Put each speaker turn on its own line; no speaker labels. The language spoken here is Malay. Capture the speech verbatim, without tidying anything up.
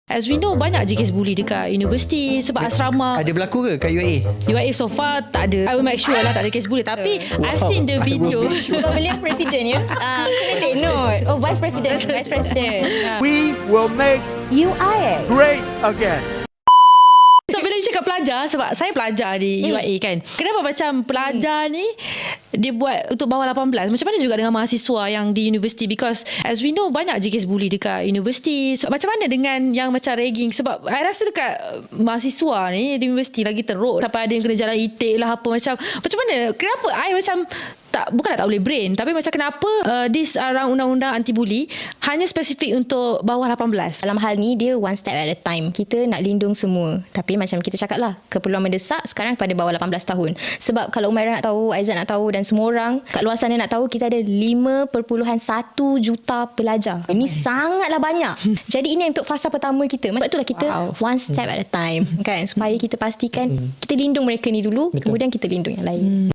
As we know, banyak je kes bully dekat universiti sebab asrama.
Ada berlaku ke kat U A E?
U A E so far tak ada. I will make sure lah tak ada kes bully. Tapi I've seen the video.
Sebab beliau presiden ya. Uh, kena take note. Oh, vice president. Vice president. Uh.
We will make
U I A
great again.
So bila dia cakap pelajar, sebab saya pelajar di U A E kan, kenapa macam pelajar ni dia buat untuk bawah lapan belas? Macam mana juga dengan mahasiswa yang di universiti? Because as we know, banyak je kes bully dekat universiti. So, macam mana dengan yang macam ragging? Sebab I rasa dekat mahasiswa ni di universiti lagi teruk, sampai ada yang kena jalan itik lah apa. Macam macam mana? Kenapa I macam tak, bukanlah tak boleh brain, tapi macam kenapa uh, this uh, undang-undang anti bully hanya spesifik untuk bawah lapan belas?
Dalam hal ni dia one step at a time. Kita nak lindung semua. Tapi macam kita cakap lah, keperluan mendesak sekarang pada bawah lapan belas tahun. Sebab kalau Umairah nak tahu, Aizat nak tahu dan semua orang kat luar sana nak tahu, kita ada lima perpuluhan satu juta pelajar. Ini sangatlah banyak. Jadi ini untuk fasa pertama kita. Sebab itulah kita
Wow.
one step at a time kan, supaya kita pastikan kita lindung mereka ni dulu. Betul. Kemudian kita lindung yang lain.